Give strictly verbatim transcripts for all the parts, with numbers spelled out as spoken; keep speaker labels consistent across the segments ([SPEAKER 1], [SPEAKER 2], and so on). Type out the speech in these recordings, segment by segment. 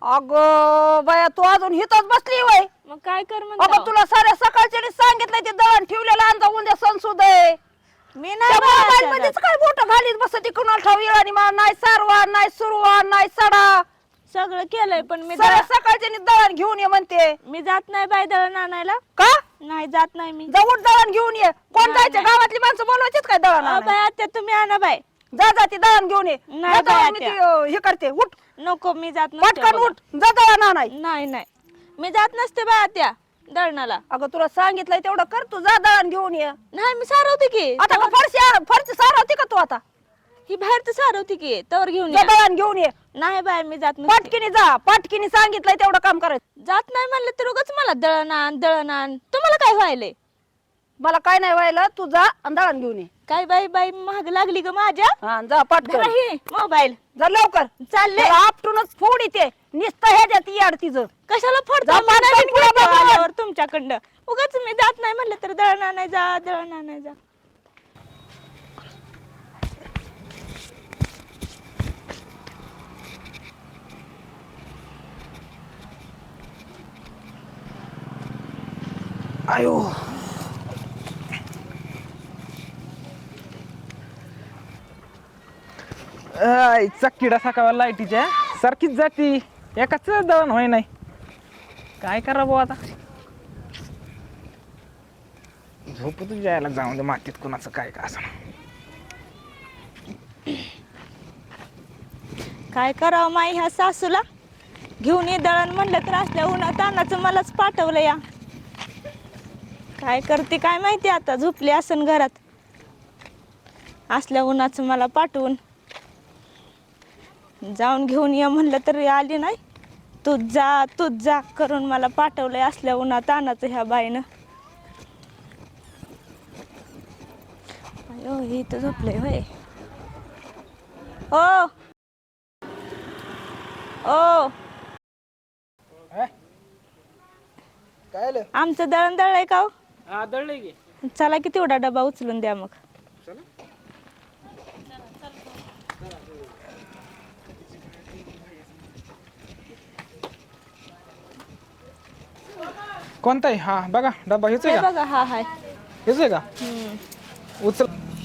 [SPEAKER 1] अगं बाया तू अजून हितच बसली वय
[SPEAKER 2] मग काय कर
[SPEAKER 1] अगं
[SPEAKER 2] म्हणतो
[SPEAKER 1] तुला साऱ्या सकाळच्या सांगितलंय ते दळण ठेवलेलं आणजा उद्या संसुद आहे
[SPEAKER 2] मी नाही बाई
[SPEAKER 1] मोबाईल
[SPEAKER 2] आता
[SPEAKER 1] मध्येच
[SPEAKER 2] जात.
[SPEAKER 1] काय बोट घालीत बसती कुणाला ठाव येळानी मा नाही सारवा नाही सुरवा नाही सडा
[SPEAKER 2] सगळं केलंय पण मी
[SPEAKER 1] साऱ्या
[SPEAKER 2] दळ-
[SPEAKER 1] सकाळच्या दळण घेऊन ये म्हणते
[SPEAKER 2] मी जात नाही बाई दळण आणायला
[SPEAKER 1] का
[SPEAKER 2] नाही जात नाही मी
[SPEAKER 1] जाऊन दळण घेऊन ये कोण
[SPEAKER 2] नाही,
[SPEAKER 1] जायचं
[SPEAKER 2] नाही.
[SPEAKER 1] गावातली माणसं बोलवायचीच काय दळण
[SPEAKER 2] अ,
[SPEAKER 1] आणायला?
[SPEAKER 2] बाई आता तुम्ही आणा बाई
[SPEAKER 1] जा जा ती दळण घेऊन ये
[SPEAKER 2] नाही
[SPEAKER 1] जा
[SPEAKER 2] बाई
[SPEAKER 1] दळण मी ती,
[SPEAKER 2] आत्या.
[SPEAKER 1] अं, हे करते उठ
[SPEAKER 2] नको मी जात नसते
[SPEAKER 1] पटकन
[SPEAKER 2] बघा.
[SPEAKER 1] उठ जा दळण आणाय
[SPEAKER 2] नाही नाही मी जात नसते बाई त्या दळणाला
[SPEAKER 1] अगं तुला सांगितलंय तेवढं कर तू जा दळण घेऊन ये
[SPEAKER 2] नाही मी सारवते की
[SPEAKER 1] आता का फरशी फरशी सारवती का तू आता
[SPEAKER 2] ही बाहेर तर सारवते की तवर घेऊन
[SPEAKER 1] जा
[SPEAKER 2] या.
[SPEAKER 1] दळण घेऊन ये
[SPEAKER 2] नाही बाई मी जात नसते
[SPEAKER 1] पटकिनी जा पटकिनी सांगितलंय तेवढं काम करायचं
[SPEAKER 2] जात नाही म्हणलं तर उगाच मला दळण आण दळण आण तुम्हाला काय व्हायलंय
[SPEAKER 1] मला काय नाही व्हायला तू जा आणि दळण घेऊन ये
[SPEAKER 2] काय बाई बाई महाग लागली ग माझ्या
[SPEAKER 1] हा जा पटकन
[SPEAKER 2] मोबाईल
[SPEAKER 1] जा लवकर
[SPEAKER 2] चालले
[SPEAKER 1] त्याला आपटूनच फोड येते नुसतं ह्याच्यात याड तिचं
[SPEAKER 2] कशाला फोडतो
[SPEAKER 1] जा
[SPEAKER 2] मी
[SPEAKER 1] पटकन
[SPEAKER 2] नवीन
[SPEAKER 1] पुढे
[SPEAKER 2] घेतलं
[SPEAKER 1] बघा.
[SPEAKER 2] आल्यावर तुमच्याकडं उगाच मी जात नाही म्हणलं तर दळण आणाय जा दळण आणाय जा
[SPEAKER 1] आयो
[SPEAKER 3] आईचा किडा सकाळ लाईटीच्या सारखीच जाती एकाच दळण होय नाही काय करा भाऊ आता झोप तू जायला जाऊन दे मातीत कुणाचं काय का असं
[SPEAKER 2] काय करावं माई ह्या सासूला घेऊन ये दळण म्हणलं तर असल्या उन्हा तानाचं मलाच पाठवलं या काय करते काय माहिती आता झोपली असन घरात असल्या उन्हाचं मला पाठवून जाऊन घेऊन ये म्हणलं तरी आली नाही तूच जा तूच जा करून मला पाठवलंय असल्या उन्हा तानाचं ह्या बाईनं अयो ही तर झोपलंय होय ओ ओ
[SPEAKER 3] काय आलं
[SPEAKER 2] आमचं दळण दळलंय का हो?
[SPEAKER 3] हा दळलंय की
[SPEAKER 2] चला की तेवढा डबा उचलून द्या मग
[SPEAKER 3] कोणता आहे हा बघा डबा हेच आहे
[SPEAKER 2] हे
[SPEAKER 3] का
[SPEAKER 2] बघा हा हाय
[SPEAKER 3] हेच आहे का
[SPEAKER 2] हम्म.
[SPEAKER 3] उचल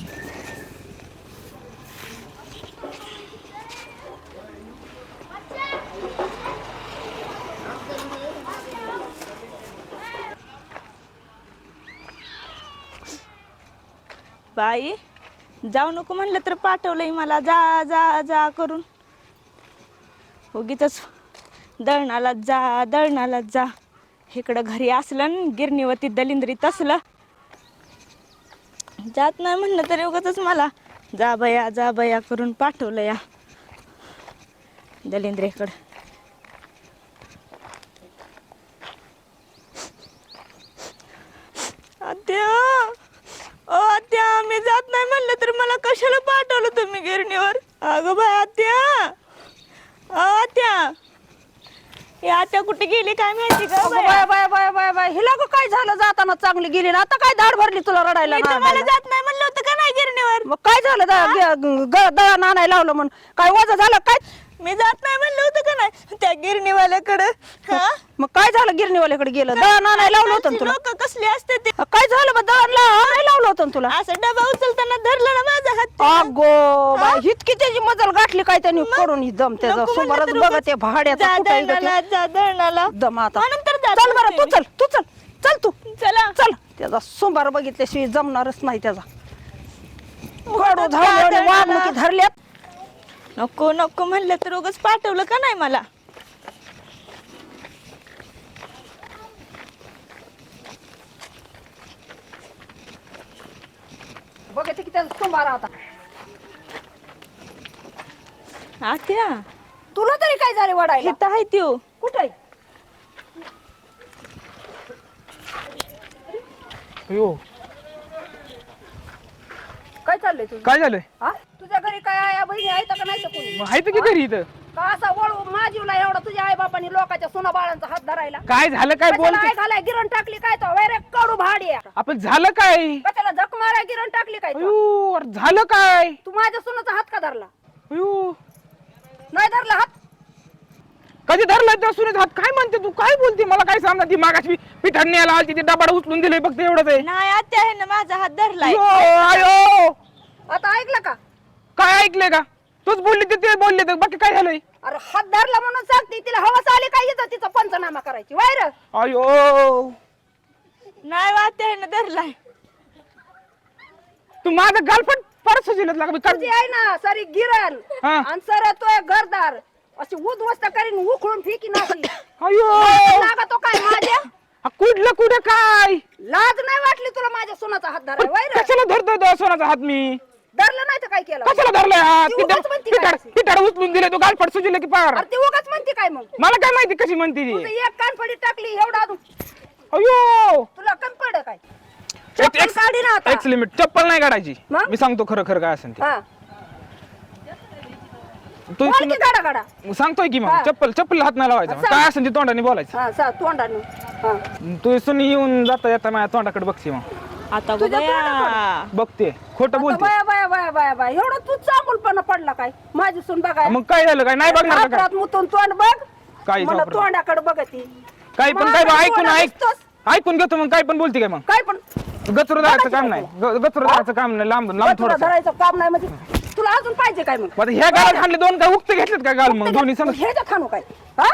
[SPEAKER 2] बाई जाऊ नको म्हणलं तर पाठवलंय मला जा जा जा करून उगीच दळणाला जा दळणाला जा इकडं घरी असलं न गिरणीवरती दलिंद्रीत असलं जात नाही म्हणलं तरी उगाच मला जा बया जा बया करून पाठवलं या दलिंद्रेकडं आत्या ओ आत्या मी जात नाही म्हणलं तर मला कशाला पाठवलं तुम्ही गिरणीवर अगं बाय आत्या ओ आत्या हे आत्या कुठे गेली काय माहिती का
[SPEAKER 1] अगं bye bye bye bye bye हिला ग काय झालं जाताना चांगली गेली ना आता काय दाढ भरली तुला रडायला
[SPEAKER 2] मी
[SPEAKER 1] ना
[SPEAKER 2] तुम्हाला
[SPEAKER 1] आणायला?
[SPEAKER 2] जात नाही म्हणलं होतं का नाही गिरणीवर
[SPEAKER 1] मग काय झालं दा- ग- ग- दळण आणायला लावलं म्हणून काय वजा झालं काय
[SPEAKER 2] मी जात नाही म्हणलं होतं का नाही त्या गिरणीवाल्याकडे हा
[SPEAKER 1] मग काय झालं गिरणीवाल्याकडे गेलं दळण आणायला लावलं होतं ना तुला
[SPEAKER 2] लोक कसले असते ते
[SPEAKER 1] काय झालं मग दळण ला- आणायला लावलं होतं ना तुला
[SPEAKER 2] असं डबा उचलताना धरलं ना माझा हात
[SPEAKER 1] अगो बाय इतकी त्याची मजल गाठली काय त्यांनी करून ही दम त्याचा
[SPEAKER 2] नको म्हणलं
[SPEAKER 1] सुमारच
[SPEAKER 2] तर
[SPEAKER 1] बघ
[SPEAKER 2] उगाच
[SPEAKER 1] ते भाड्याचा
[SPEAKER 2] जा
[SPEAKER 1] कुठे आहे ग
[SPEAKER 2] दळणाला
[SPEAKER 1] ते?
[SPEAKER 2] जा दळणाला
[SPEAKER 1] दम आता
[SPEAKER 2] म्हणून तर जात
[SPEAKER 1] चल बरं
[SPEAKER 2] नसते
[SPEAKER 1] तू चल तू चल चल तू
[SPEAKER 2] चला
[SPEAKER 1] चल त्याचा सोमवार बघितल्याशिवाय जमणारच नाही त्याचा कडू
[SPEAKER 2] जा
[SPEAKER 1] झाले
[SPEAKER 2] दळणाला.
[SPEAKER 1] वागणुकी धरल्यात
[SPEAKER 2] नको नको म्हणलं तर उगाच पाठवलं का नाही मला
[SPEAKER 1] बघते की त्याचा सोमवार आता
[SPEAKER 2] आत्या
[SPEAKER 1] तुला तरी काय झाले वडायला
[SPEAKER 2] इथं आहे त्यो
[SPEAKER 1] कुठे आहे?
[SPEAKER 3] हो
[SPEAKER 1] काय चाललंय तुझं
[SPEAKER 3] काय झालंय
[SPEAKER 1] हा तुझ्या घरी काय आया बहिणी आहेत का नाही तर कोणी
[SPEAKER 3] मग आहे तर की घरी इथं
[SPEAKER 1] का असा वळू माझीवला एवढा तुझ्या आई बापानी लोकांच्या सोना बाळांचा हात धरायला
[SPEAKER 3] काय झालं काय
[SPEAKER 1] कशाला
[SPEAKER 3] बोलते
[SPEAKER 1] आई घालाय गिरण टाकली काय तो वैरे कडू भाडी आहे.
[SPEAKER 3] आपण झालं काय
[SPEAKER 1] कशाला झक माराय गिरण टाकली काय तो?
[SPEAKER 3] अयो, अरे झालं काय
[SPEAKER 1] तू माझ्या सोनाचा हात का धरला
[SPEAKER 3] अयो,
[SPEAKER 1] नाही धरला हात
[SPEAKER 3] काय कधी धरलाय त्या सुनेचा हात? काय म्हणते तू? काय बोलते? मला काय सांग ती मागाशी पिठाड न्यायला आलती ते डबाड उचलून दिले फक्त एवढंच आहे.
[SPEAKER 2] नाही आत्या आहे ना माझा हात धरलाय.
[SPEAKER 3] अयो, आयो
[SPEAKER 1] आता ऐकलं का?
[SPEAKER 3] काय ऐकले का? तूच बोलली ते ते बोलले तर बाकी काय झालंय?
[SPEAKER 1] अरे हात धरला म्हणून सांगते तिला हवास आली काय येतं तिचा पंचनामा करायची वायर.
[SPEAKER 3] अयो
[SPEAKER 2] नाही आत्या आहे ना धरलाय.
[SPEAKER 3] तू माझं गालपट परत सुजिलत लाग
[SPEAKER 1] तुझी आहे ना सारी गिरण
[SPEAKER 3] हा.
[SPEAKER 1] आणि सर तो घरदार अशी उद्ध्वस्त करीन उखळून फेकी नाशी.
[SPEAKER 3] अयो
[SPEAKER 1] लागा तो काय माझ्या
[SPEAKER 3] हा, कुठलं कुठं काय?
[SPEAKER 1] लाज नाही वाटली तुला माझ्या सोनाचा हात धराय वायर?
[SPEAKER 3] कशाला धरतोय तो सोनाचा हात मी?
[SPEAKER 1] धरलं नाही तर काय केलं?
[SPEAKER 3] कशाला धरलाय हात?
[SPEAKER 1] ती उगाच म्हणती काय
[SPEAKER 3] पिठाड
[SPEAKER 1] अशी?
[SPEAKER 3] पिठाड उचलून दिले तू गालपट सुजिले की पार.
[SPEAKER 1] अरे ती उगाच म्हणते काय मग?
[SPEAKER 3] मला काय माहिती कशी म्हणते ती?
[SPEAKER 1] तुझं एक कानफडी टाकली एवढा अजून
[SPEAKER 3] अयो
[SPEAKER 1] तुला कम पड काय?
[SPEAKER 3] एक-
[SPEAKER 1] चप्पल
[SPEAKER 3] एक-
[SPEAKER 1] काढी ना आता.
[SPEAKER 3] एक लिमिट चप्पल नाही काढायची.
[SPEAKER 1] मग?
[SPEAKER 3] मी सांगतो खरं खरं काय असेल ते.
[SPEAKER 1] हा
[SPEAKER 3] तू
[SPEAKER 1] बोल की गाडा गाडा.
[SPEAKER 3] सांगतोय की मग
[SPEAKER 1] हा.
[SPEAKER 3] चप्पल चप्पल हात नाही लावायचा.
[SPEAKER 1] हा, सांग.
[SPEAKER 3] काय असेल ते तोंडाने बोलायचं.
[SPEAKER 1] हा सा तोंडाने. हा
[SPEAKER 3] तू सुनी येऊन जाता येता माझ्या तोंडाकडे बघते मग
[SPEAKER 2] आता गो
[SPEAKER 1] तुझ्या
[SPEAKER 2] बया.
[SPEAKER 3] बघते खोटं
[SPEAKER 1] आता
[SPEAKER 3] बोलते.
[SPEAKER 1] बाया बाया बाया बाया बाया एवढं तू चांगुलपणा पडला काय? माझी सून बघाय
[SPEAKER 3] मग काय झालं? काय नाही बघणार का काय?
[SPEAKER 1] हातात मुतून तोंड बघ.
[SPEAKER 3] काय
[SPEAKER 1] मला
[SPEAKER 3] वापरलं?
[SPEAKER 1] तोंडाकडे बघती.
[SPEAKER 3] काही पण काय
[SPEAKER 1] माझं
[SPEAKER 3] ऐकून
[SPEAKER 1] तोंड
[SPEAKER 3] ऐक
[SPEAKER 1] दिसतोस.
[SPEAKER 3] ऐकून घेतो मग काय पण बोलते काय मग?
[SPEAKER 1] काय पण
[SPEAKER 3] गचरू धरायचं काम नाही. गचरू धरायचं काम नाही. लांब लांब
[SPEAKER 1] तुला
[SPEAKER 3] थोडं.
[SPEAKER 1] धरायचं काम नाही म्हणजे तुला अजून पाहिजे काय मग?
[SPEAKER 3] आता ह्या गालात खाल्ले दोन काय उगते घेतलेत का गाल मग दोन्ही संग?
[SPEAKER 1] हे खाणू काय? हा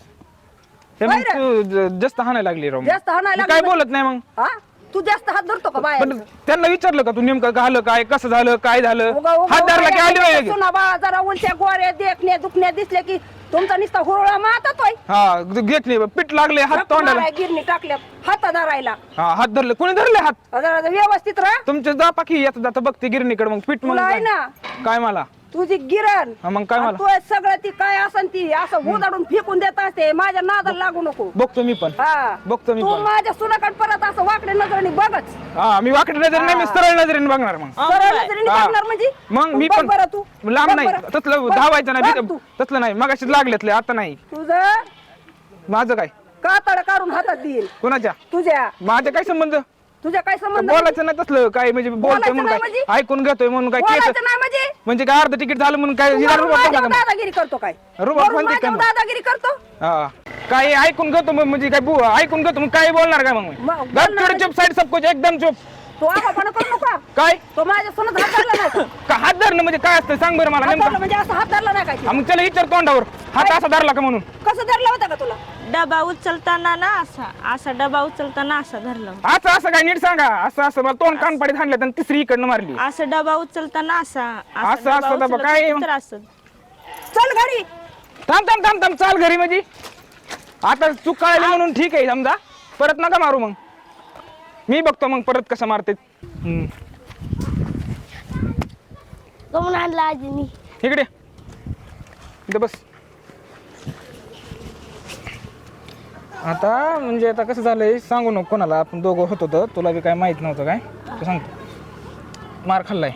[SPEAKER 3] हे मग तू ज- जास्त हाणायला लागली राव.
[SPEAKER 1] जास्त हाणायला
[SPEAKER 3] मी काय
[SPEAKER 1] लागली
[SPEAKER 3] बोलत नाही मग.
[SPEAKER 1] हा तू जास्त हात धरतो का बाया?
[SPEAKER 3] पण त्यांना विचारलं का तू नेमकं झालं काय कसं झालं काय झालं? हात धरला की आली नाही लगेच.
[SPEAKER 1] सुना बाळा जरा उलट्या गोऱ्या देखण्या दुखण्या दिसल्या की तुमचा निस्ता हुरळा मातोय.
[SPEAKER 3] हा घेतली पीठ लागले हात तोंडाला.
[SPEAKER 1] गिरणी टाकल्या हात धरायला.
[SPEAKER 3] हा हात धरले कोणी धरले हात?
[SPEAKER 1] जरा व्यवस्थित राहा.
[SPEAKER 3] तुमचे जा पाकी येत जाता बघते गिरणीकडे मग पीठ मग
[SPEAKER 1] तुला आहे
[SPEAKER 3] काय
[SPEAKER 1] ना
[SPEAKER 3] काय मला
[SPEAKER 1] तुझी गिरण
[SPEAKER 3] हा, मग काय मला
[SPEAKER 1] तू सगळं ती काय असन ती असं उदाडून फेकून देत असते. माझ्या नादाला लागू नको.
[SPEAKER 3] बघतो मी पण
[SPEAKER 1] हा
[SPEAKER 3] बघतो मी
[SPEAKER 1] तू
[SPEAKER 3] पण.
[SPEAKER 1] माझ्या सुनाकडे परत असं वाकड्या नजरेने बघच.
[SPEAKER 3] हा मी वाकडी नजर नाही मी सरळ नजरेने बघणार मग.
[SPEAKER 1] सरळ नजरेने
[SPEAKER 3] हा.
[SPEAKER 1] बघणार म्हणजे
[SPEAKER 3] मग मी
[SPEAKER 1] बघ
[SPEAKER 3] पण
[SPEAKER 1] बरं तू
[SPEAKER 3] लांब
[SPEAKER 1] बघ
[SPEAKER 3] नाही
[SPEAKER 1] बरं.
[SPEAKER 3] तसलं
[SPEAKER 1] बघ,
[SPEAKER 3] धावायचं
[SPEAKER 1] बघ
[SPEAKER 3] नाही
[SPEAKER 1] तू.
[SPEAKER 3] तसलं नाही मगाशीच लागलेतले आता नाही.
[SPEAKER 1] तुझं
[SPEAKER 3] माझं काय
[SPEAKER 1] कातड काढून हातात देईल
[SPEAKER 3] कोणाच्या
[SPEAKER 1] तुझ्या.
[SPEAKER 3] माझ्या काय संबंध?
[SPEAKER 1] तुझ्या काय संबंध?
[SPEAKER 3] बोलायचं नाही तसलं काय म्हणजे बोलतोय
[SPEAKER 1] बोलायचं
[SPEAKER 3] म्हणून
[SPEAKER 1] नाही
[SPEAKER 3] काय
[SPEAKER 1] म्हणजे?
[SPEAKER 3] ऐकून घेतोय म्हणून काय केस
[SPEAKER 1] बोलायचं नाही म्हणजे
[SPEAKER 3] म्हणजे काय अर्ध तिकीट झालं म्हणून काय
[SPEAKER 1] तू
[SPEAKER 3] हिरा
[SPEAKER 1] वरून
[SPEAKER 3] रुबाब
[SPEAKER 1] माझ्यावर
[SPEAKER 3] टाकला का?
[SPEAKER 1] दादागिरी करतो काय?
[SPEAKER 3] रुबाब
[SPEAKER 1] वरून
[SPEAKER 3] म्हणते काय
[SPEAKER 1] माझ्यावर
[SPEAKER 3] मग?
[SPEAKER 1] दादागिरी करतो.
[SPEAKER 3] हा काय ऐकून घेतो मग म्हणजे काय बु- ऐकून घेतो मग काय बोलणार काय मग
[SPEAKER 1] मग बोलणार
[SPEAKER 3] गप चुप साईड सब कुछ एकदम चुप.
[SPEAKER 1] तू आगाऊपणा करू नका.
[SPEAKER 3] काय
[SPEAKER 1] तो माझ्या सोनात हात धरला नाही का?
[SPEAKER 3] का हात धरणं म्हणजे काय असतं सांग बरं मला
[SPEAKER 1] हात
[SPEAKER 3] नेमकं.
[SPEAKER 1] धरला म्हणजे असं हात धरला नाही काय?
[SPEAKER 3] हा, मग त्याला विचार तोंडावर हात असा धरला का म्हणून.
[SPEAKER 1] कसं धरला होता का तुला?
[SPEAKER 2] डबा उचलताना ना असा असा डबा उचलताना असा धरला होता.
[SPEAKER 3] असं असं काय नीट सांगा. असं असं मला तोंड कानपाडीत हाणलं आणि तिसरी इकडनं मारली.
[SPEAKER 2] असं डबा उचलताना असा
[SPEAKER 3] असं- असं डबा
[SPEAKER 2] उचलत
[SPEAKER 3] काय?
[SPEAKER 2] तर असं.
[SPEAKER 1] चल घरी.
[SPEAKER 3] थांब थांब थांब थांब चाल घरी म्हणजे आता चूक कळाली म्हणून ठीक आहे समजा परत नका मारू मग मी बघतो मग परत कसं मारते. हम्म.
[SPEAKER 4] कमून आणला आजीनी.
[SPEAKER 3] इकडे इथं बस. आता म्हणजे आता कसं झालंय सांगू नको कोणाला. आपण दोघं होतो तर तुला बी काय माहित नव्हतं काय तू सांगतो. मार खाल्लाय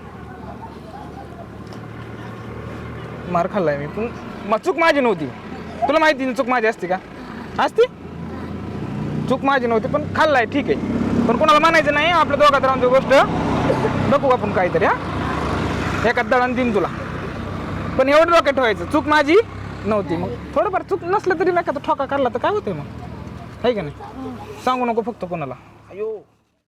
[SPEAKER 3] मार खाल्लाय मी पण मग चूक माझी नव्हती. तुला माहिती ना चूक माझी असते का? असती चूक माझी नव्हती पण खाल्लाय ठीक आहे. पण कोणाला म्हणायचं नाही. आपल्या दोघात राहून गोष्ट बघू आपण काहीतरी. हा एका दळण देईन तुला पण एवढं डोक्यात ठेवायचं चूक माझी नव्हती. मग थोडंफार चूक नसलं तरी नाही का ठोका काढला तर काय होतंय मग आहे का नाही? सांगू नको फक्त कोणाला. अयो